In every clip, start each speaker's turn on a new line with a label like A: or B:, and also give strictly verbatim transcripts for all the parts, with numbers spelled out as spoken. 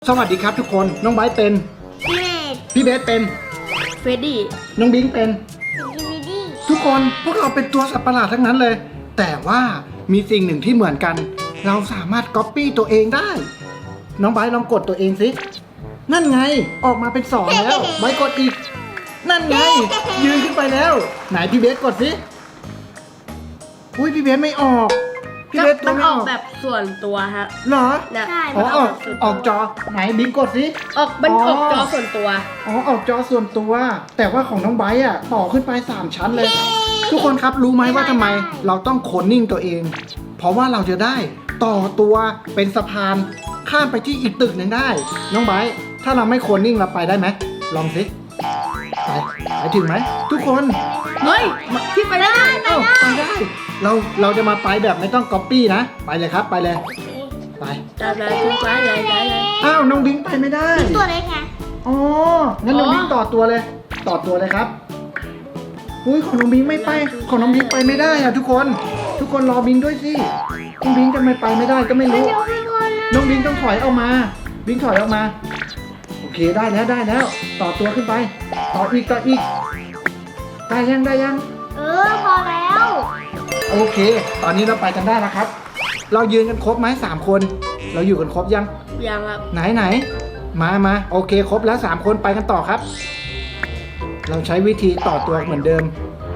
A: สวัสดีครับทุกคนน้องไบร์ทเป็นพี่เบสเป็น
B: เฟรดดี้
A: น้องบิงเป็นทุกคนพวกเราเป็นตัวสัตว์ประหลาดทั้งนั้นเลย แต่ว่ามีสิ่งหนึ่งที่เหมือนกันเราสามารถก๊อปปี้ตัวเองได้น้องไบร์ทลองกดตัวเองสินั่นไงออกมาเป็นสองแล้วไบร์ทกดอีกนั่นไงยืนขึ้นไปแล้วไหนพี่เบสกดสิอุ้ยพี่เบสไม่ออกพี่เบสตัวไม่ออก
B: แบบส่วนตัวฮะ
A: เหรอ
B: ใช่
A: อ๋อออกออกจอไหนบิงกดสิ
B: ออกมันออกจอส่วนตัว
A: อ๋อออกจอส่วนตัวแต่ว่าของน้องไบร์ทอ่ะต่อขึ้นไปสามชั้นเลยทุกคนครับรู้ไหมว่าทำไมเราต้องโคลนนิ่งตัวเองเพราะว่าเราจะได้ต่อตัวเป็นสะพานข้ามไปที่อีกตึกหนึ่งได้น้องไบร์ทถ้าเราไม่โคลนนิ่งเราไปได้ไหมลองสิไปไปถึงไหมทุกคน
B: เฮ้ยที่ไปได้
A: เอ้าไปได้เราเราจะมาไปแบบไม่ต้องก๊อปปี้นะไปเลยครับไปเลยไป
B: จะไปถึงไปเลยเลย
A: อ้าวน้องบิงไปไม่ได้
C: ตัวเล็กไง
A: อ๋องั้นน้องบิงต่อตัวเลยต่อตัวเลยครับอุ้ยของน้องบิงไม่ไปของน้องบิงไปไม่ได้อะทุกคนทุกคนรอบิงด้วยสิน้องบิงจะไม่ไปไม่ได้ก็ไม่รู้น้องบิงต้องถอยออกมาบิงถอยออกมาโอเคได้แล้วได้แล้วต่อตัวขึ้นไปต่ออีกต่ออีกได้ยังได้ยัง
C: เออพอแล้ว
A: โอเคตอนนี้เราไปกันได้แล้วครับเรายืนกันครบไหมสามคนเราอยู่กันครบยัง
B: ยังครับ
A: ไหนไหนมามาโอเคครบแล้วสามคนไปกันต่อครับเราใช้วิธีต่อตัวเหมือนเดิม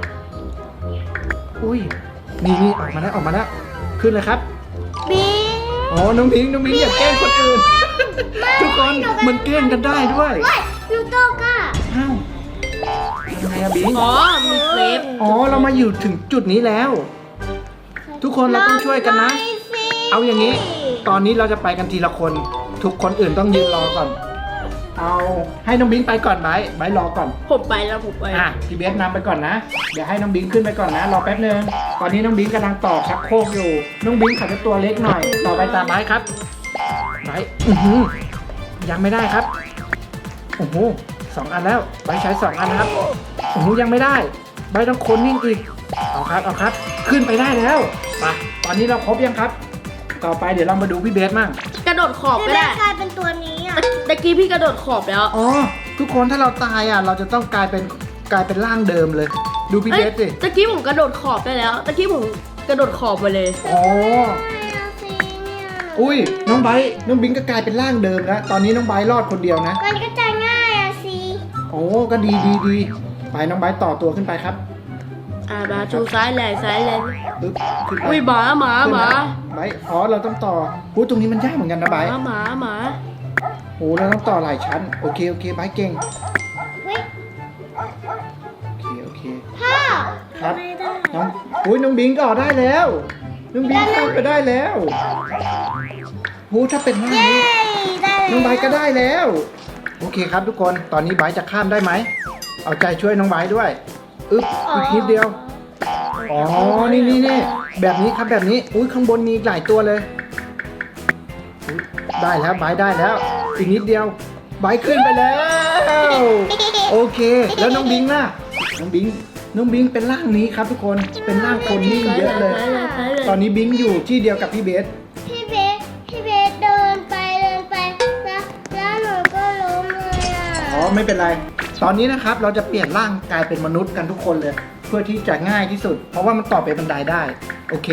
A: อุ้ยนี่นี่ออกมาแล้วออกมาแล้วขึ้นเลยครับ
C: บิง
A: อ๋อน้องพิงน้องพิงอย่าแกล้งคนอื่นทุกคนมันแกล้งกันได้ด้วย
C: ยูโตก้า
A: อ้าวยังไงอะบิง
B: อ๋อมีเซฟ
A: อ๋อเรามาอยู่ถึงจุดนี้แล้วทุกคนเราต้องช่วยกันนะเอาอย่างนี้ตอนนี้เราจะไปกันทีละคนทุกคนอื่นต้องยืนรอก่อนเอาให้น้องบิงไปก่อนไบร์ทไบร์ทรอก่อน
B: ผมไปแล้วผมไป
A: อ่ะพี่เบสนำไปก่อนนะเดี๋ยวให้น้องบิงขึ้นไปก่อนนะรอแป๊บนึงตอนนี้น้องบิงกำลังต่อชักโครกอยู่น้องบิงขัดตัวเล็กหน่อยต่อไปตามไบร์ทครับไบร์ทอือหือยังไม่ได้ครับโอ้โหสองอันแล้วไบร์ทใช้สองอันนะครับโอ้โหยังไม่ได้ไบร์ทต้องโคนนิ่งอีกเอาครับเอาครับขึ้นไปได้แล้วไปตอนนี้เราครบยังครับต่อไปเดี๋ยวเรามาดูพี่เบสมั่ง
B: กระโดดขอบไม่ได้
C: กลายเป็นตัวนี้อ่ะ
B: ตะกี้พี่กระโดดขอบแล้ว
A: อ๋อทุกคนถ้าเราตายอ่ะเราจะต้องกลายเป็นกลายเป็นร่างเดิมเลยดูพี่เบสสิ
B: ตะกี้ผมกระโดดขอบได้แล้วตะกี้ผมกระโดดขอบไปเลย
A: อ๋ออุ้ยน้องไบร์ทน้องบิงก็กลายเป็นร่างเดิมแล้วตอนนี้น้องไบร์ทรอดคนเดียวนะ
C: มันก็จะง่ายอ่ะสิ
A: โอ้ก็ดีดีดีไปน้องไบร์ทต่อตัวขึ้นไปครับ
B: อ่ามาชูซ้ายแหลกซ้ายแหลก
A: ปึ๊บขึ้นไป
B: อุ้ยหมาหมาหมา
A: ไบร์ทอ๋อเราต้องต่อพูดตรงนี้มันยากเหมือนกันนะไบร์ท
B: หมาหมา
A: โอ้เราต้องต่อหลายชั้นโอเคโอเคไบร์ทเก่งโอเคโอเค
C: พ่อ
A: ครับน้องอุ้ยน้องบิงต่อได้แล้วน้องบิงเข้าไปได้แล้วโอ้ถ้าเป็นหน้านี้น้องไบร์ทก็ได้แล้วโอเคครับทุกคนตอนนี้ไบร์ทจะข้ามได้ไหมเอาใจช่วยน้องไบร์ทด้วยอึ๊บอีกนิดเดียวอ๋อนี่นี่นี่แบบนี้ครับแบบนี้อุ้ยข้างบนมีหลายตัวเลยได้แล้วไบร์ทได้แล้วอีกนิดเดียวไบร์ทขึ้นไปแล้วโอเคแล้วน้องบิงล่ะน้องบิงน้องบิงเป็นร่างนี้ครับทุกคนเป็นร่างคนนิ่งเยอะเลยตอนนี้บิงอยู่ที่เดียวกับพี่เบส
C: พี่เบสพี่เบสเดินไปเดินไปแล้วแล้วหนูก็ล้มเลยอ่ะ
A: อ๋อไม่เป็นไรตอนนี้นะครับเราจะเปลี่ยนร่างกลายเป็นมนุษย์กันทุกคนเลยเพื่อที่จะง่ายที่สุดเพราะว่ามันต่อไปบันไดได้โอเค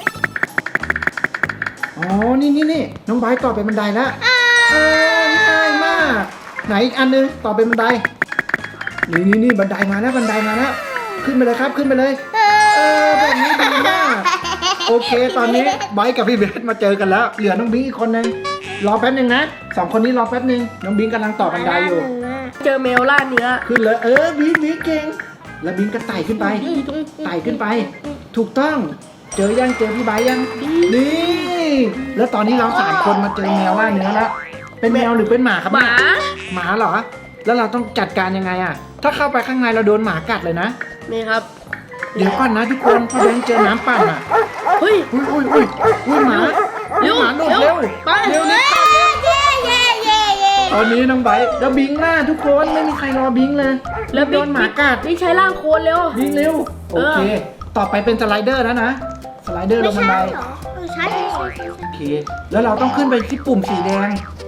A: อ๋อนี่นี่นี่น้องไบร์ทต่อไปบันไดแล้วง่ายมากไหนอีกอันนึงต่อไปบันไดนี่นี่นี่บันไดมาแล้วบันไดมาแล้วขึ้นไปเลยครับขึ้นไปเลยเออแบบนี้ดีมากโอเคตอนนี้ไบร์ทกับพี่เบสมาเจอกันแล้วเหลือน้องบิงอีกคนนึงรอแป๊บนึงนะสองคนนี้รอแป๊บนึงน้องบิงกำลังต่อบันไดอยู่
B: เจอแมวล่าเนื้อ
A: ขึ้นเลยเออบิงบิงเก่งแล้วบิงก็ไต่ขึ้นไปไต่ขึ้นไปถูกต้องเจอยังเจอพี่ไบร์ทยังนี่แล้วตอนนี้เราสามคนมาเจอแมวล่าเนื้อแล้วเป็นแมวหรือเป็นหมาครับ
B: หมา
A: หมาเหรอแล้วเราต้องจัดการยังไงอ่ะถ้าเข้าไปข้างในเราโดนหมากัดเลยนะ
B: นี่ครับ
A: เดี๋ยวก่อนนะทุกคนพอแบงค์เจอน้ำปั่นอ่ะ
B: เฮ้ย
A: อุ้ยอุ้ยอุ้ยอุ้ยหมา
B: เร็ว
A: หมาหลุดเร็วเร็วนี่ตอนนี้น้องไบร์ทแล้วบิงหน้าทุกคนไม่มีใครรอบิงเลยแล้วโดนหมากัด
B: นี่ใช้ร่างโคลนเร็ว
A: บิงเร็วโอเคต่อไปเป็นสไลเดอร์แล้วนะสไลเดอร์ลงบันได
C: ใช่ใช่
A: โอเคแล้วเราต้องขึ้นไปที่ปุ่มสีแดง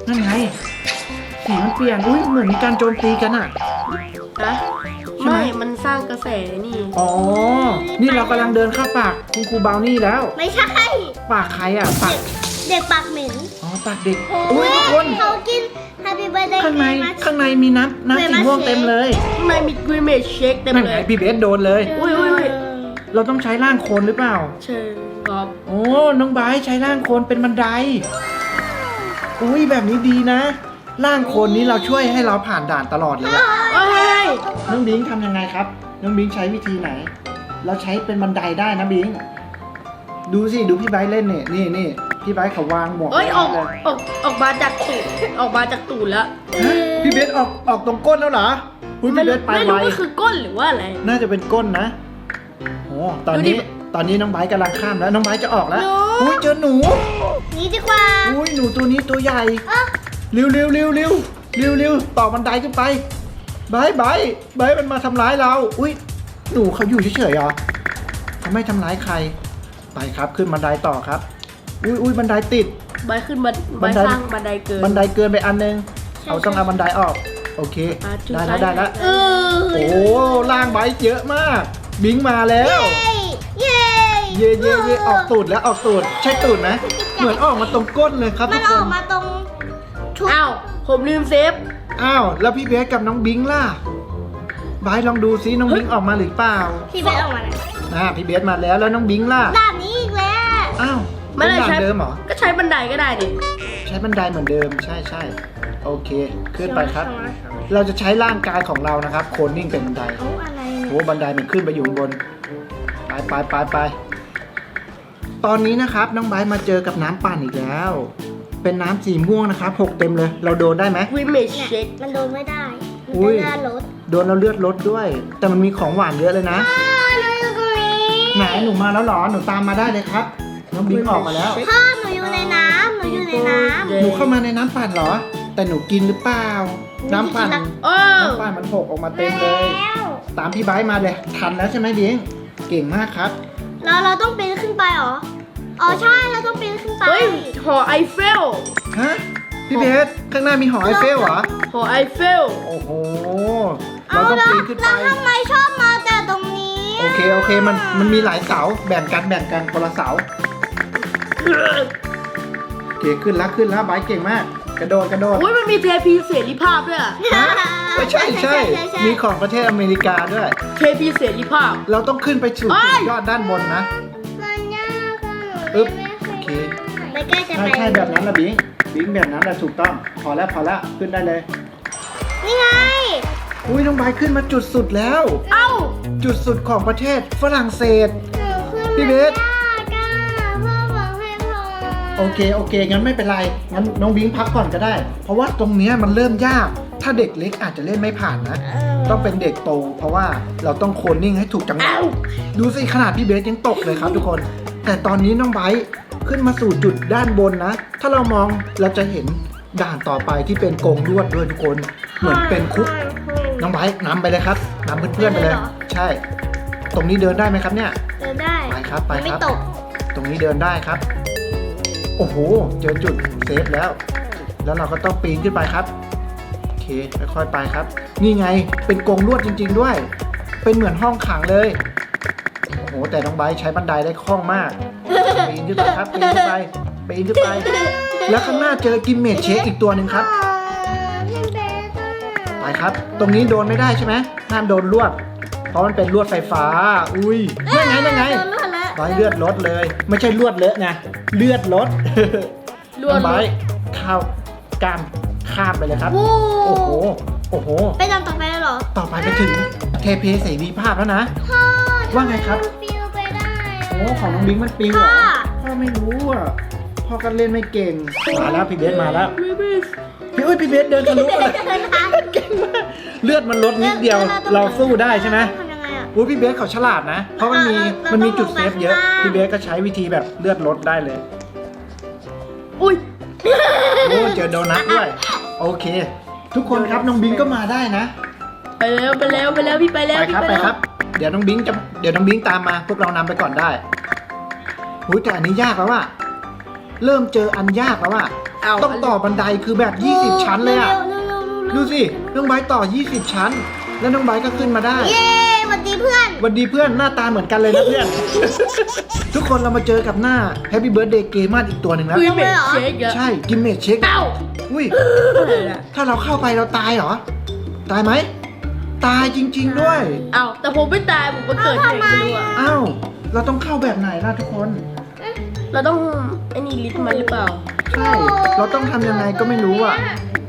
A: นั่นไงสีมันเปลี่ยนอุ้ยเหมือนมีการโจมตีกันอ่ะ
B: นะ
A: ใช่ไหม
B: ไม่มันสร้างกระแสนี่
A: อ๋อนี่เรากำลังเดินเข้าปากคุณครูบราวนี่แล้ว
C: ไม่ใช่
A: ปากใครอ่ะปาก
C: เด็กปากเหม็น
A: อ๋อปากเด็ก
C: โอ้
A: อุ้ย
C: ย
A: ทุกคน
C: เขากิน Happy Birthday
A: ข้างใน
C: Christmas
A: ข้างในมีน้ำน้ำสีม่วงเต็มเลย
B: ข้างในมีกรีเมชเชคเต็ม
A: นั่น
B: เล
A: ไง
B: ย
A: พี่เบสโดนเลย
B: อุ้ยอุ้ยอุ้ย
A: เราต้องใช้ร่างโคลนหรือเปล่า
B: เชิญครับ
A: โอ้น้องไบร์ทใช้ร่างโคลนเป็นบันไดอุ้ยแบบนี้ดีนะร่างโคลนนี้เราช่วยให้เราผ่านด่านตลอดเลยอะ
B: เอ้ย
A: น้องบิงทำยังไงครับ น้องบิงใช้วิธีไหน เราใช้เป็นบันไดได้นะบิงดูสิดูพี่ไบร์ทเล่นเนี่ยนี่นี่พี่ไบร์ทเขาวางหมวก
B: เอ้ยออก
A: ไว้เลย
B: ออกออกมาจากตูดออกมาจากตูดแล้ว
A: ฮะพี่เบสออกออกตรงก้นแล้วเหรออุ๊ย
B: ไม่
A: พี่เบ
B: รู้
A: สไป
B: ไม่
A: ไว
B: รู้ว่าคือก้นหรือว่าอะไร
A: น่าจะเป็นก้นนะโอ้ตอน
B: ดูดิ
A: นี้ตอนนี้น้องไบร์ทกำลังข้ามแล้วน้องไบร์ทจะออกแล้ว
C: หนู
A: อุ้ยเจอหนู
C: นี่ดีกว่า
A: อุ้ยหนูตัวนี้ตัวใหญ่
C: เอ้า
A: เร็วเร็วเร็วเร็วเร็วเร็วต่อบันไดขึ้นไปไบร์ทไบร์ทไบร์ทมันมาทำร้ายเราอุ้ยหนูเขาอยู่เฉยๆเหรอเขาไม่ทำร้ายใครไปครับขึ้นบันไดต่อครับอุ้ยอุ้ยบันไดติด
B: ใบขึ้นบัน
A: บั
B: ใบ
A: นได
B: สร้างบันไดเกิน
A: บันไดเกินไปอันนึงเอาต้องเอาบันไดออกโอเค
B: อ่ะจุด
A: ได้แล้ว
B: ซ้าย
A: ได้แล้ว
C: เออ
A: โอ้ล่างไบค์เยอะมาก บิงมาแล้ว
C: เย้
A: เย่เย่เย่ออกตูดแล้วออกตูดใช่ตูดไหมเหมือนออกมาตรงก้นเลยครับ
C: มั
A: ทุ
C: น
A: กค
C: ออน กมาตรงชุด
B: อ้าวผมลืมเซฟ
A: อ้าวแล้วพี่เบสกับน้องบิงล่ะไบค์ลองดูซิน้องบิงออกมาหรือเปล่า
C: ที่เป็นออกมาเลย
A: อ่าพี่เบสมาแล้วแล้วน้องบิงล่ะ
C: ด่านนี้อีกแล้ว
A: อ้าว
B: ไม่
A: เป็น
B: ได้
A: ด่าน
B: ใช้
A: เดิมเหรอ
B: ก็ใช้บันไดก็ได้นี่
A: ใช้บันไดเหมือนเดิมใช่ใช่โอเค ขึ้นไปครับ เราจะใช้ร่างกายของเรานะครับโคนนิ่งเป็นบันได
C: เอาอะไร
A: โอ้บันไดมันขึ้นไปอยู่ข้างบน ไปไปไปไปตอนนี้นะครับน้องไบร์ทมาเจอกับน้ำปั่นอีกแล้ว เป็นน้ำสีม่วงนะครับหกเต็มเลย เราโดนได้ไหม
B: กรีเมช
C: เนี่ย
B: เชค
C: มันโดนไม่ได้ มัน
A: อุ้ย
C: เป็นหน้ารถ
A: โดนเราเลือดลดด้วย แต่มันมีของหวานเยอะเลยนะ
C: พ่อหนูอยู่ตรงนี้
A: ไหนหนูมาแล้วเหรอหนูตามมาได้เลยครับ น้องบิงออกมาแล้ว
C: พ่อหนูอยู่ในน้ำหนูอยู่ในน้ำ
A: หนูเข้ามาในน้ำปั่นเหรอ แต่หนูกินหรือเปล่า น้ำปั่น
B: โอ้
A: น้ำปั่นมันหกออกมาเต็มเลย
C: แล้ว
A: ตามพี่ไบร์ทมาเลยทันแล้วใช่ไหมบิงเก่งมากครับ
C: เราเราต้องปีนขึ้นไปเหรอ อ๋อใช่เราต้องปีนขึ้นไป
B: เฮ้ยหอไอเฟล
A: ฮะพี่เบสข้างหน้ามีหอไอเฟลเหรอ
B: หอไอเฟล
A: โอ้โห
C: เอา
A: เราต้อง
C: แล้ว
A: ปีนขึ้นไป
C: แล้วทำไมชอบมาแต่ตรงนี้
A: โอเคโอเคมันมันมีหลายเสาแบ่งกันแบ่งกันคนละเสาโอเคขึ้นแล้วขึ้นแล้วไบร์ทเก่งมาก กระโดดกระโดด
B: อุ้ยมันมีเทพีเสรีภาพด้วยอะ
A: ไม่ใช่ใช่มีของประเทศอเมริกาด้วย
B: เทพีเสรีภาพ
A: เราต้องขึ้นไปสู่
B: เอ้
A: จุ
B: ย
A: ดยอดด้านบนนะ
C: มันยากอะหนู
A: อึ๊บ
C: ไม่
A: โอเค
C: ไม่กล้าจะ
A: ใช่
C: ไป
A: ใช่แบบนั้นละบิงบิงแบบนั้นแหละถูกต้องพอแล้วพอแล้วขึ้นได้เลย
C: นี่ไง
A: อุ้ยน้องไบร์ทขึ้นมาจุดสุดแล้ว
B: เอ้า
A: จุดสุดของประเทศฝรั่งเศส
C: หนูขึ้น
A: พี่เบส
C: ยากอะพ่อบอกให้พอ
A: โอเคโอเคงั้นไม่เป็นไรงั้นน้องบิงพักก่อนก็ได้ เพราะว่าตรงเนี้ยมันเริ่มยาก ถ้าเด็กเล็กอาจจะเล่นไม่ผ่านนะ ต้องเป็นเด็กโต เพราะว่าเราต้องโคนนิ่งให้ถูกจังหวะ
B: เอ้า
A: ดูสิขนาดพี่เบสยังตกเลยครับทุกคน แต่ตอนนี้น้องไบร์ทขึ้นมาสู่จุดด้านบนนะ ถ้าเรามองเราจะเห็นด่านต่อไปที่เป็นกรงลวดด้วยทุกคน เหมือนเป็นคุก น้องไบร์ทนำไปเลยครับนำเพื่อนๆไปเลย ใช่ ตรงนี้เดินได้ไหมครับเนี่ย
C: เดินได้
A: ไปครับไป
C: มัน
A: ค
C: ไม่
A: รับ
C: ตก
A: ตรงนี้เดินได้ครับ โอ้โห เจอจุดเซฟแล้ว แล้วเราก็ต้องปีนขึ้นไปครับ โอเค ค่อยๆไปครับ นี่ไง เป็นกรงลวดจริง ๆด้วย เป็นเหมือนห้องขังเลย โอ้โห แต่น้องไบร์ทใช้บันไดได้คล่องมาก ปีนขึ้นไปครับ ปีนขึ้นไป ปีนขึ้นไป แล้วข้างหน้าเจอกิมเมจเชคอีกตัวหนึ่งครับ
C: อ๋อพี่เบสอะ
A: ไปครับ ตรงนี้โดนไม่ได้ใช่ไหมห้ามโดนลวด เพราะมันเป็นลวดไฟฟ้า อุ้ยนั่นไงนั่นไง
C: โดนลวดแล้ว
A: ไบร์ทเลือดลดเลย ไม่ใช่ลวดเลอะนะ เลือดลด
B: ลวด
A: น้องไบร์ทเข้าวกล้ามข้ามไปเลยครับ
C: วู้
A: โอ้โห โอ้โห
C: ไปตามต่อไปแล้วเหรอ
A: ต่อไปไปถึงเทเพเสรีภาพแล้วนะ
C: พ่อ
A: ว่าไงครับ
C: ทำมมันปิวไปได้อะ
A: โอ้ของน้องบิงมันปิวเหรอ
C: พ่อ
A: พ่อไม่รู้อ่ะ พ่อก็เล่นไม่เก่ง มาแล้วพี่เบสมาแล้ว
B: ไม่ไม่
A: พี่อุ้ยพี่เบสเดินทะลุมาเลยเก่งมากเลือดมันลดนิดเดียว เราสู้ได้ใช่ไหม
C: ทำยังไงอะ
A: อุ้ยพี่เบสเขาฉลาดนะ เพราะมันมี
C: เราเรา
A: มันมี
C: ต้อง
A: จุดเซฟเยอะ
C: ลงไปข้างล่าง
A: พี่เบสก็ใช้วิธีแบบเลือดลดได้เลย
B: อุ้ย
A: โอ้เจอโดนัทด้วย โอเค ทุกคนครับน้องบิงก็มาได้นะ
B: ไปแล้วไปแล้วไปแล้วพี่ไปแล้ว
A: ไป
B: พี่
A: ครับ
B: ไป
A: ไป
B: แล้ว
A: ครับ เดี๋ยวน้องบิงจะเดี๋ยวน้องบิงตามมา พวกเรานำไปก่อนได้หุ้ยแต่อันนี้ยากแล้วว่ะเริ่มเจออันยากแล้วว่ะ
B: เอา
A: ต้องต่อบันไดคือแบบ ยี่สิบ ชั้นเลยอะ
C: เร็วๆๆๆๆ
A: ดูสิน้องไบร์ทต่อ ยี่สิบ ชั้น แล้วน้องไบร์ทก็ขึ้นมาได้
C: เย้สวัสดีเพื่อน
A: หวันดีเพื่อนหน้าตาเหมือนกันเลยนะเพื่อน ทุกคนเรามาเจอกับหน้า Happy Birthday เกมอนอีกตัวหนึ่งแล้ว
B: คือเมดเชคอะ
A: ใช่กิมเมจเช็ค
B: เอ้า
A: อุ้ย
B: อะไรอะ
A: ถ้าเราเข้าไปเราตายเหรอ ตายไหม ตายจริง ๆ ด้วย
B: เอาแต่ผมไม่ตายผมมาเกิดที่ไหนไม่รู้อะ
A: อ้าว เราต้องเข้าแบบไหนล่ะทุกคน
B: เราต้องไอ้นี่ลิสต์มันหรือเปล่า
A: ใช่ เราต้องทำยังไงก็ไม่รู้อ่ะ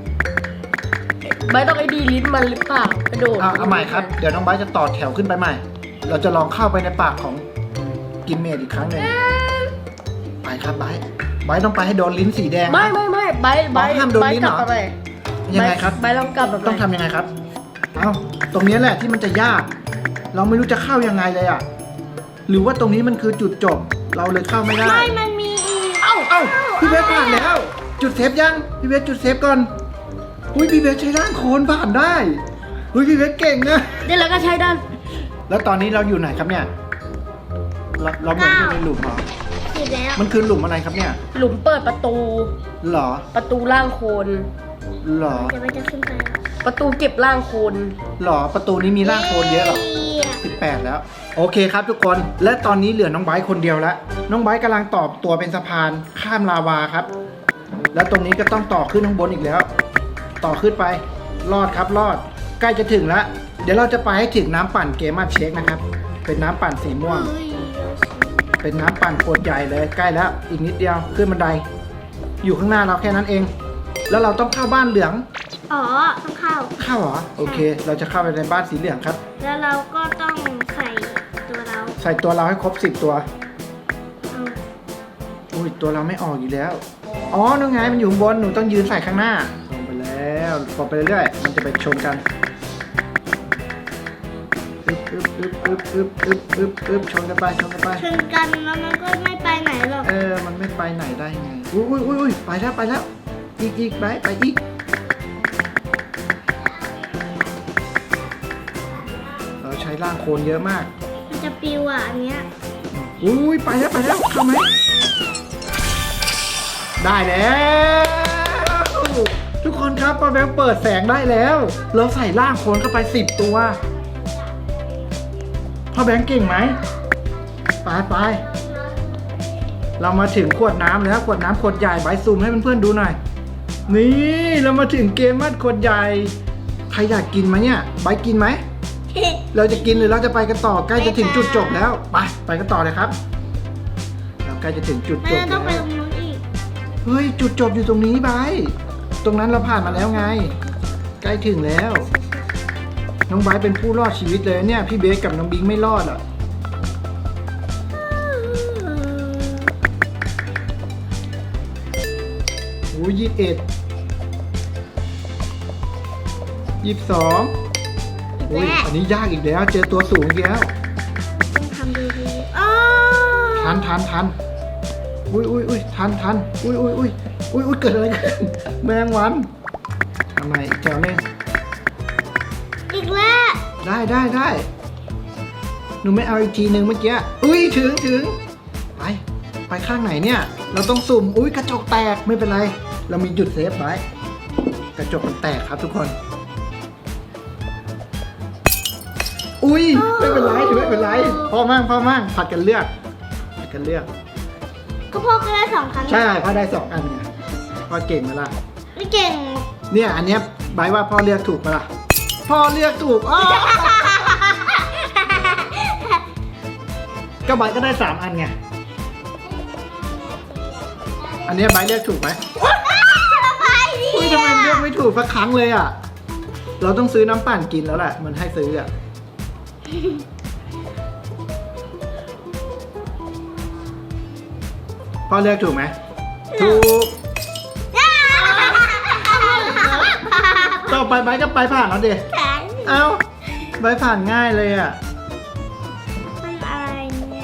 B: ไม่ต้องไอ้ดีลิสต์มันหรือเปล่ากระโดด
A: เอาเอาใหม่ครับ เดี๋ยวน้องไบร์ทจะต่อแถวขึ้นไปใหม่ เราจะลองเข้าไปในปากของกิมเมจอีกครั้งหนึ่งไปครับไบร์ทไบร์ทต้องไปให้โดนลิ้นสีแดงนะ
B: ไม่ไม่ไม่ใบใบ
A: อ๋อห้ามโดน
B: ใบ
A: ลิ้น
B: ก
A: เหร
B: ลั
A: อ
B: บอะไร
A: ยังไงครับ
B: ใบลองกลับแบบ
A: ต้องทำยังไงครับ เอ้า ตรงนี้แหละที่มันจะยาก เราไม่รู้จะเข้ายังไงเลยอ่ะ หรือว่าตรงนี้มันคือจุดจบ เราเลยเข้าไม่ได้
C: ไม่มันมีอีก
B: เอ้า
A: เอ้า พี่เบสผ่านแล้ว จุดเซฟยัง พี่เบสจุดเซฟก่อน อุ้ยพี่เบสใช้ร่างโคลนผ่านได้ อุ้ยพี่เบสเก่งนะ
B: เดี๋ยวเราก็ใช้ด้าน
A: แล้วตอนนี้เราอยู่ไหนครับเนี่ย เราเราเหมือนอยู่ในหลุมเหรอ
C: สิบแล้ว
A: มันคือหลุมอะไรครับเนี่ย
B: หลุมเปิดประตู
A: หรอ
B: ประตูล่างโคน
A: หรอ
C: เดี๋ยวมันจะขึ้นไป
B: ประตูเก็บล่างโคน
A: หรอ ประตูนี้มีร่างโคลนเยอะเหรอ สิบแปดแล้ว โอเคครับทุกคน และตอนนี้เหลือน้องไบร์ทคนเดียวแล้ว น้องไบร์ทกำลังต่อตัวเป็นสะพานข้ามลาวาครับ แล้วตรงนี้ก็ต้องต่อขึ้นข้างบนอีกแล้ว ต่อขึ้นไป รอดครับรอด ใกล้จะถึงแล้ว เดี๋ยวเราจะไปให้ถึงน้ำปั่นเกมมาเช็คนะครับ เป็นน้ำปั่นสีม่วง
C: เฮ้ย
A: เป็นน้ำปั่นขวดใหญ่เลย ใกล้แล้ว อีกนิดเดียว ขึ้นบันได อยู่ข้างหน้าเราแค่นั้นเอง แล้วเราต้องเข้าบ้านเหลือง
C: อ๋อต้องเข้า
A: เข้าเหรอ โอเค เราจะเข้าไปในบ้านสีเหลืองครับ
C: แล้วเราก็ต้องใส่ตัวเรา
A: ใส่ตัวเราให้ครบสิบตัว
C: เอา
A: อุ้ยตัวเราไม่ออกอยู่แล้ว อ๋อนู่นไงมันอยู่ข้างบน หนูต้องยืนใส่ข้างหน้าลงไปแล้วพอไปเรื่อยๆมันจะไปชนกันอึ๊บอึ๊บอึ๊บอึ๊บอึ๊บอึ๊บอึ๊บอึ๊บชนกันไปชนกันไป
C: ชนกันแล้วมันก็ไม่ไปไหนหรอก
A: เออ มันไม่ไปไหนได้ไง อุ้ยอุ้ยอุ้ยอุ้ยไปแล้วไปแล้ว อีกอีกไปไปอีก เราใช้ร่างโคลนเยอะมาก
C: มันจะปิวอ่ะอันเนี้ย
A: อุ้ยไปแล้วไปแล้วเข้าไหมได้แล้ว ทุกคนครับป้าแบงค์เปิดแสงได้แล้ว เราใส่ร่างโคลนเข้าไปสิบตัวพ่อแบงค์เก่งไหมไปไปเรามาถึงขวดน้ำแล้วขวดน้ำขวดใหญ่ใบซูมให้เพื่อนๆดูหน่อยนี่เรามาถึงเกมมัดขวดใหญ่ใครอยากกินไหมเนี่ยใบกินไหม เราจะกินหรือเราจะไปกันต่อใกล้จะถึงจุดจบแล้วไปไปกันต่อเลยครับเราใกล้จะถึงจุด
C: ไม่
A: จบ
C: เราต้องไป
A: แล้ว
C: ตรงนู้นอีก
A: เฮ้ยจุดจบอยู่ตรงนี้ไบร์ทตรงนั้นเราผ่านมาแล้วไง ใกล้ถึงแล้ว น้องไบร์ทเป็นผู้รอดชีวิตเลยเนี่ยพี่เบสกับน้องบิงไม่รอดอ่ะโอ้ยยี่สิบเอ็ดยี่สิบสองโอ้ยอันนี้ยากอีกแล้วเจอตัวสูงอีกแล้ว
C: ต้องทำดีๆอ๋อ
A: ทันทันทันอุ้ยอุ้ยอุ้ยทันทันอุ้ยอุ้ยอุ้ยอุ้ยอุ้ยเกิดอะไรขึ้นแมงวันทำไมอีกแถวนึง
C: อีกแล้ว
A: ได้ได้ได้หนูไม่เอาอีกทีหนึ่งเมื่อกี้อุ้ยถึงถึงไปไปข้างไหนเนี่ย เราต้องสุ่มอุ้ยกระจกแตกไม่เป็นไร เรามีจุดเซฟไว้กระจกมันแตกครับทุกคน อุ้ยไม่เป็นไรไม่เป็นไรพ่อมั่งพ่อมั่งผัดกันเลือกผัดกันเลือก
C: ก็พ่อก็ได้สองครั้ง
A: ใช่พ่อได้สองอันไงพ่อเก่งไหมล่ะ
C: ไม่เก่ง
A: เนี่ยอันเนี้ยใบว่าพ่อเลือกถูกปะล่ะพ่อเลือกถูกอ้อก็ใบก็ได้สามอันไงอันเนี้ยใบเลือกถูกไหมอุ้ยทำไมเลือกไม่ถูกสักครั้งเลยอ่ะเราต้องซื้อน้ำปั่นกินแล้วแหละมันให้ซื้ออ่ะพ่อเลือกถูกไหมถูกต่อไปใบก็ไปผ่านแล้วเด็
C: แข็ง
A: เอ้าใบผ่านง่ายเลยอ่ะ
C: มันอะไรเนี่ย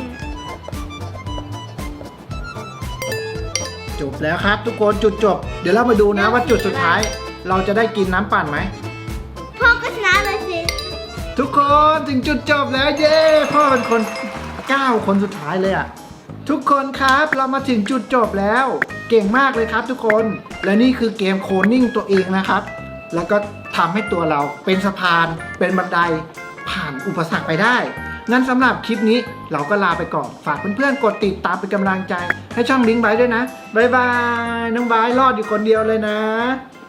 A: จบแล้วครับทุกคนจุดจบ เดี๋ยวเรามาดูนะว่าจุดสุดท้าย เราจะได้กินน้ำปั่นไหม
C: พ่อก็ชนะเลยสิ
A: ทุกคนถึงจุดจบแล้วเย้พ่อเป็นคนเก้าคนสุดท้ายเลยอ่ะทุกคนครับเรามาถึงจุดจบแล้วเก่งมากเลยครับทุกคนและนี่คือเกมโคลนนิ่งตัวเองนะครับแล้วก็ทำให้ตัวเราเป็นสะพานเป็นบันไดผ่านอุปสรรคไปได้งั้นสำหรับคลิปนี้เราก็ลาไปก่อนฝากเพื่อนๆกดติดตามเป็นกำลังใจให้ช่องบิงไบท์ด้วยนะบ๊ายบายน้องไบท์รอดอยู่คนเดียวเลยนะ